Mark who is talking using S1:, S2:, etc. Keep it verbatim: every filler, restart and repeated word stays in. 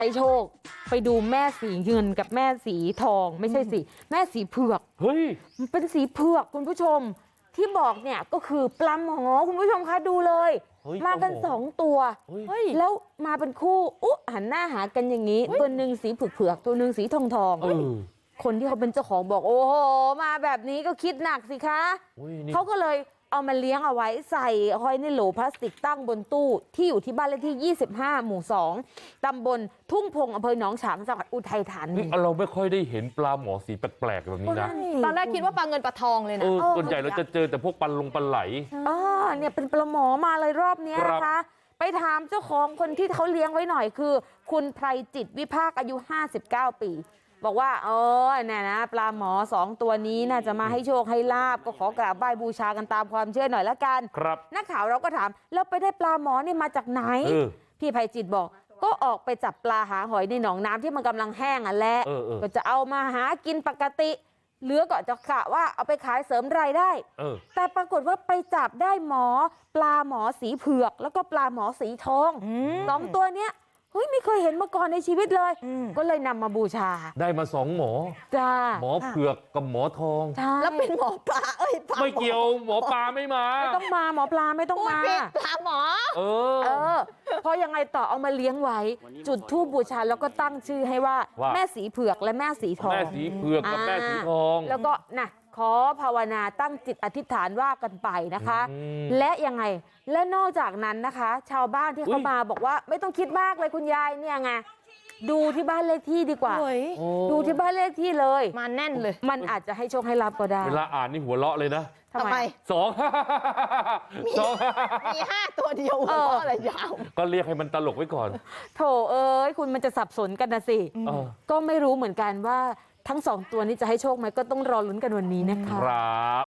S1: ให้โชคไปดูแม่สีเงินกับแม่สีทองไม่ใช่สิแม่สีเผือก
S2: เฮ้ย
S1: มันเป็นสีเผือกคุณผู้ชมที่บอกเนี่ยก็คือปลาหมอคุณผู้ชมคะดูเลยมากันสองตัวแล้วมาเป็นคู่อุ๊หันหน้าหากันอย่างนี้ตัวหนึ่งสีเผือกๆตัวหนึ่งสีทองทองคนที่เขาเป็นเจ้าของบอกโอ้โหมาแบบนี้ก็คิดหนักสิคะเขาก็เลยเอามาเลี้ยงเอาไว้ใส่ห้อยในโหลพลาสติกตั้งบนตู้ที่อยู่ที่บ้านเลขที่ยี่สิบห้าหมู่สองตำบลทุ่งพงอำเภอหนองฉางจังหวัดอุทัยธานี
S2: เราไม่ค่อยได้เห็นปลาหมอสีแปลกๆแบบนี้นะ
S3: ตอนแรกคิดว่าปลาเงินปลาทองเลยนะ
S2: ส่วนใหญ่เราจะเจอแต่พวกปลาลงปลาไหล
S1: อ๋อเนี่ยเป็นปลาหมอมาเลยรอบนี้นะคะไปถามเจ้าของคนที่เขาเลี้ยงไว้หน่อยคือคุณไพรจิตวิภาคอายุห้าสิบเก้าปีบอกว่าเออเนี่ยนะปลาหมอสองตัวนี้น่าจะมาให้โชคให้ลาบก็ขอกราบไหว้บูชากันตามความเชื่อหน่อยละกัน
S2: ครับ
S1: นักข่าวเราก็ถามแล้วไปได้ปลาหมอนี่มาจากไหนพี่ไพจิตบอกก็ออกไปจับปลาหาหอยในหนองน้ำที่มันกำลังแห้งอ่ะแหละก็จะเอามาหากินปกติเหลือก็จะกะว่าเอาไปขายเสริมรายได้แต่ปรากฏว่าไปจับได้หมอปลาหมอสีเผือกแล้วก็ปลาหมอสีทองสองตัวเนี้ยเฮ้ยไม่เคยเห็นมาก่อนในชีวิตเลยก็เลยนำมาบูชา
S2: ได้มาสองหมอ
S1: จ้า
S2: หมอเผือกกับหมอทอง
S3: แล้วเป็นหมอปลาเอ้ย
S2: ไม่เกี่ยวหมอปลาไม่มา
S1: ไม่ต้องมาหมอปลาไม่ต้องมา
S3: ปลาหมอ
S2: เออ
S1: เออพอยังไงต่อเอามาเลี้ยงไว้จุดธูปบูชาแล้วก็ตั้งชื่อให้ว่าแม่สีเผือกและแม่สีทอง
S2: แม่สีเผือกกับแม่สีทอง
S1: แล้วก็นะขอภาวนาตั้งจิตอธิษฐานว่ากันไปนะคะและยังไงและนอกจากนั้นนะคะชาวบ้านที่เขามาบอกว่าไม่ต้องคิดมากเลยคุณยายเนี่ยไงดูที่บ้านเลขที่ดีกว่าดูที่บ้านเลขที่เลย
S3: มาแน่นเลย
S1: มันอาจจะให้โชคให้ลาภก็ได้
S2: เวลาอ่านนี่หัวเราะเลยนะ
S3: ทำไม
S2: สองสอง
S3: มีห้าตัวเดียวหัวเราะอะไรยาว
S2: ก็เรียกให้มันตลกไว้ก่อน
S1: โถเอ้ยคุณมันจะสับสนกันนะสิก็ไม่รู้เหมือนกันว่าทั้งสองตัวนี้จะให้โชคไหมก็ต้องรอลุ้นกันวันนี้นะคะ